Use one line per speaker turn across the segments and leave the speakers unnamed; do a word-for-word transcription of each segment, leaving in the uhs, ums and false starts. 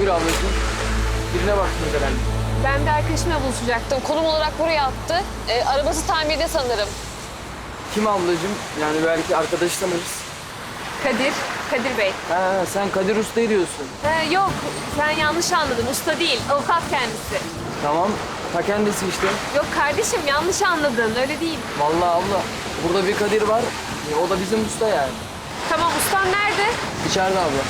Buyur ablacığım. Birine baktınız herhalde.
Ben bir arkadaşımla buluşacaktım. Konum olarak buraya attı. Ee, arabası tamirde sanırım.
Kim ablacığım? Yani belki arkadaşı tanırız.
Kadir, Kadir Bey.
Ha, sen Kadir Usta'yı diyorsun.
Ee, yok, sen yanlış anladın. Usta değil, avukat kendisi.
Tamam. Ta kendisi işte.
Yok kardeşim, yanlış anladın. Öyle değil.
Vallahi abla. Burada bir Kadir var. E, o da bizim usta yani.
Tamam, ustan nerede?
İçeride abla.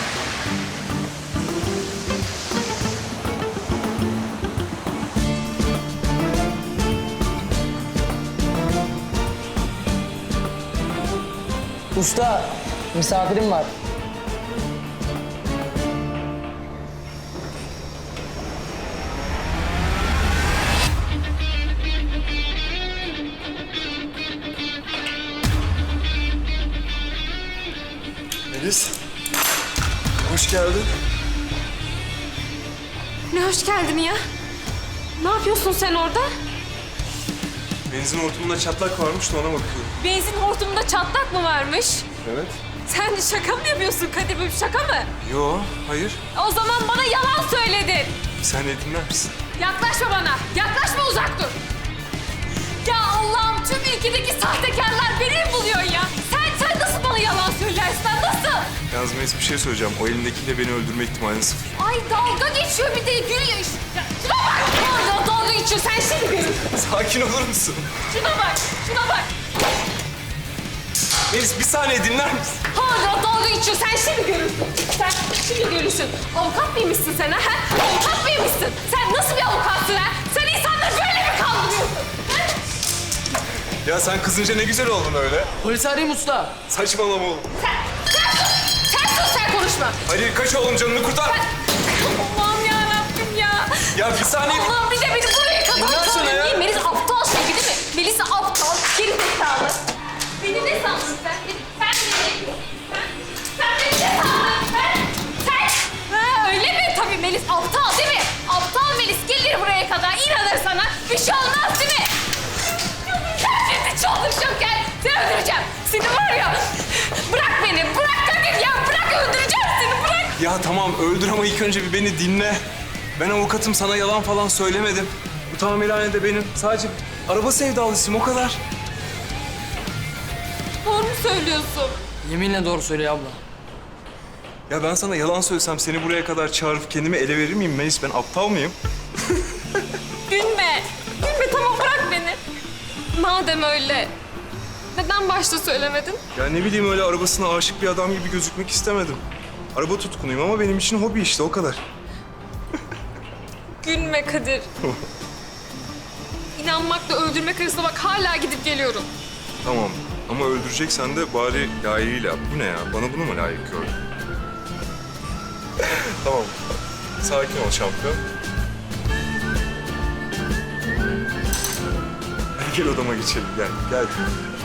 Usta, misafirim var.
Melis, hoş geldin.
Ne hoş geldin ya. Ne yapıyorsun sen orada?
Benzin hortumunda çatlak varmış da ona bakıyorum.
Benzin hortumunda çatlak mı varmış?
Evet.
Sen şaka mı yapıyorsun Kadir? Bu bir şaka mı?
Yo, hayır.
O zaman bana yalan söyledin.
Bir saniye dinler misin?
Yaklaşma bana. Yaklaşma, uzak dur. Ya Allah'ım, tüm ülkedeki sahtekarlar beni mi buluyor ya? Sen, sen nasıl bana yalan söylersin? Nasıl?
Yalnız Melis bir şey söyleyeceğim. O elindekiyle beni öldürme ihtimali sıfır.
Ay dalga geçiyor, bir de gülüyor işte. Ya şuna bak. Hala dalga geçiyor. Sen şimdi görürsün.
Sakin olur musun?
Şuna bak. Şuna bak.
Melis bir saniye dinler misin?
Hala dalga geçiyor. Sen şimdi görürsün. Sen şimdi görürsün. Avukat mıymışsın sen ha? Avukat mıymışsın? Sen nasıl bir avukatsın ha? Sen insanları böyle mi kandırıyorsun? Ha?
Ya sen kızınca ne güzel oldun öyle.
Polis arayayım usta.
Saçmalama oğlum.
Sen, sen sus. Sen sus, sen konuşma.
Hadi kaç oğlum, canını kurtar.
Allah'ım yarabbim ya.
Ya bir saniye.
Allah'ım, bir de beni buraya kadar
Dinlersene ya.
çağırdın. Melis aptal şey değil mi? Melis aptal, geri zekalı. Beni ne sandın sen? Sen beni ne? Sen, sen beni ne sandın? Sen, sen. Ha, öyle mi? Tabii Melis aptal değil mi? Aptal Melis gelir buraya kadar, inanır sana. Bir şey olmaz değil mi? Sen şimdi çıldıracağım, gel. Seni öldüreceğim. Seni var ya. Bırak beni, bırak Kadir ya. Bırak, öldüreceğim seni, bırak.
Ya tamam öldür ama ilk önce bir beni dinle. Ben avukatım, sana yalan falan söylemedim. Bu tamirhane de benim. Sadece araba sevdalısıyım, o kadar.
Doğru mu söylüyorsun?
Yeminle doğru söylüyor abla.
Ya ben sana yalan söylesem seni buraya kadar çağırıp kendimi ele verir miyim Melis? Ben aptal mıyım?
Gülme. Gülme, tamam, bırak beni. Madem öyle, neden başta söylemedin?
Ya ne bileyim, öyle arabasına aşık bir adam gibi gözükmek istemedim. Araba tutkunuyum ama benim için hobi işte, o kadar.
Gülme Kadir. İnanmakla öldürmek arasında bak, hala gidip geliyorum.
Tamam ama öldüreceksen de bari layığıyla yap. Bu ne ya? Bana bunu mu layık gördün? Tamam. Sakin ol şampiyon. Hadi gel odama geçelim. Gel, gel.